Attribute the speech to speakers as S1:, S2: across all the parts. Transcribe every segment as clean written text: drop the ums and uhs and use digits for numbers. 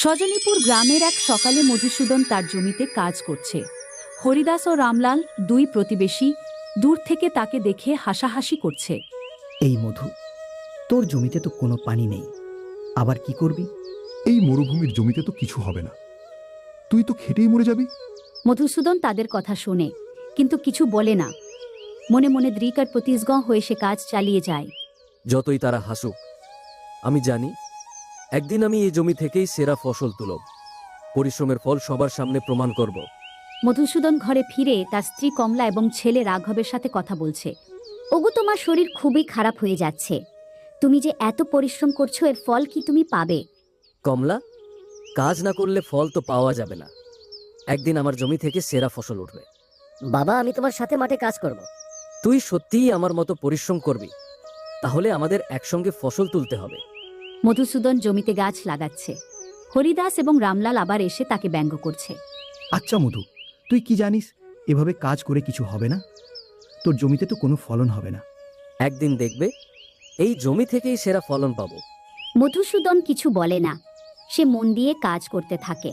S1: সজনীপুর গ্রামের এক সকালে মধুসূদন তার জমিতে কাজ করছে। হরিদাস ও রামলাল দুই প্রতিবেশী দূর থেকে তাকে দেখে হাসাহাসি করছে।
S2: এই মধু, তোর জমিতে তো কোনো পানি নেই, আবার কি করবি?
S3: এই মরুভূমির জমিতে তো কিছু হবে না, তুই তো খেটেই মরে যাবি।
S1: মধুসূদন তাদের কথা শোনে, কিন্তু কিছু বলে না। মনে মনে দৃঢ় আর প্রতিজ্ঞ হয়ে সে কাজ চালিয়ে যায়।
S4: যতই তারা হাসুক, আমি জানি একদিন আমি এই জমি থেকেই সেরা ফসল তুলব, পরিশ্রমের ফল সবার সামনে প্রমাণ করব।
S1: মধুসূদন ঘরে ফিরে তার স্ত্রী কমলা এবং ছেলে রাঘবের সাথে কথা বলছে। ওগো, তোমার শরীর খুবই খারাপ হয়ে যাচ্ছে। তুমি যে এত পরিশ্রম করছো, এর ফল কি তুমি পাবে?
S4: কমলা, কাজ না করলে ফল তো পাওয়া যাবে না। একদিন আমার জমি থেকে সেরা ফসল উঠবে।
S5: বাবা, আমি তোমার সাথে মাঠে কাজ করব।
S4: তুই সত্যিই আমার মতো পরিশ্রম করবি, তাহলে আমাদের একসঙ্গে ফসল তুলতে হবে।
S1: মধুসূদন জমিতে গাছ লাগাচ্ছে। হরিদাস এবং রামলাল আবার এসে তাকে ব্যঙ্গ করছে।
S2: আচ্ছা মধু, তুই কি জানিস এভাবে কাজ করে কিছু হবে না? তোর জমিতে তো কোনো ফলন হবে না।
S4: একদিন দেখবে এই জমি থেকেই সেরা ফলন পাবো।
S1: মধুসূদন কিছু বলে না, সে মন দিয়ে কাজ করতে থাকে।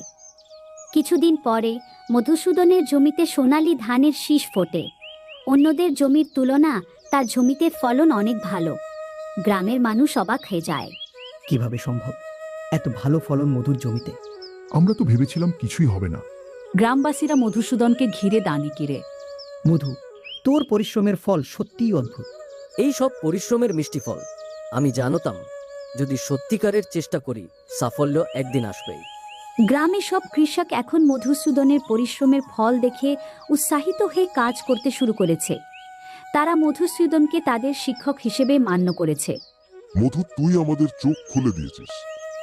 S1: কিছুদিন পরে মধুসূদনের জমিতে সোনালী ধানের শীষ ফোটে। অন্যদের জমির তুলনা তার জমিতে ফলন অনেক ভালো। গ্রামের মানুষ অবাক হয়ে যায়।
S2: কিভাবে সম্ভব এত ভালো ফলন মধুর জমিতে?
S3: আমরা তো ভেবেছিলাম কিছুই হবে না।
S1: গ্রামবাসীরা মধুসূদনকে ঘিরে দানি কিরে।
S2: মধু, তোর পরিশ্রমের ফল সত্যিই অদ্ভুত।
S4: এই সব পরিশ্রমের মিষ্টি ফল। আমি জানতাম যদি সত্যিকারের চেষ্টা করি, সাফল্য একদিন আসবেই।
S1: গ্রামে সব কৃষক এখন মধুসূদনের পরিশ্রমের ফল দেখে উৎসাহিত হয়ে কাজ করতে শুরু করেছে। তারা মধুসূদনকে তাদের শিক্ষক হিসেবে মান্য করেছে।
S6: মধু, তুই আমাদের চোখ খুলে দিয়েছিস।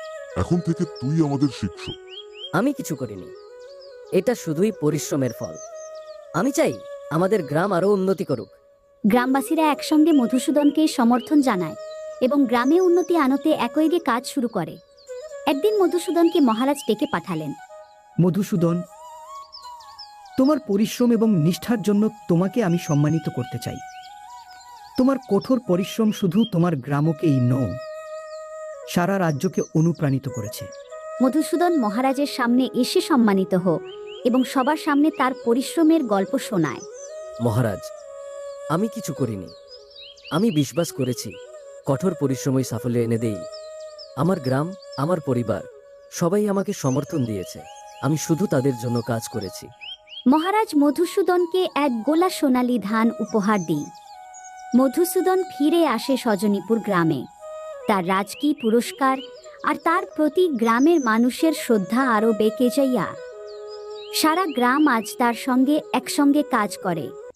S6: এখন থেকে তুই আমাদের শিক্ষক।
S5: আমি কিছু করিনি, এটা শুধুই পরিশ্রমের ফল। আমি চাই আমাদের গ্রাম আরো উন্নতি করুক।
S1: গ্রামবাসীরা একসঙ্গে মধুসূদনকে সমর্থন জানায় এবং গ্রামে উন্নতি আনতে একইগে কাজ শুরু করে। একদিন মধুসূদনকে মহারাজ ডেকে পাঠালেন।
S2: মধুসূদন, তোমার পরিশ্রম এবং নিষ্ঠার জন্য তোমাকে আমি সম্মানিত করতে চাই। তোমার কঠোর পরিশ্রম শুধু তোমার গ্রামকেই নয়, সারা রাজ্যকে অনুপ্রাণিত করেছে।
S1: মধুসূদন মহারাজের সামনে এসে সম্মানিত হোক এবং সবার সামনে তার পরিশ্রমের গল্প শোনায়।
S4: মহারাজ, আমি কিছু করিনি। আমি বিশ্বাস করেছি কঠোর পরিশ্রমই সাফল্য এনে দেই। আমার গ্রাম, আমার পরিবার সবাই আমাকে সমর্থন দিয়েছে। আমি শুধু তাদের জন্য কাজ করেছি।
S1: মহারাজ মধুসূদনকে এক গোলা সোনালী ধান উপহার দিই। মধুসূদন ফিরে আসে সজনীপুর গ্রামে। তার রাজকীয় পুরস্কার আর তার প্রতি গ্রামের মানুষের শ্রদ্ধা আরও বেঁকে যাইয়া। সারা গ্রাম আজ তার সঙ্গে একসঙ্গে কাজ করে।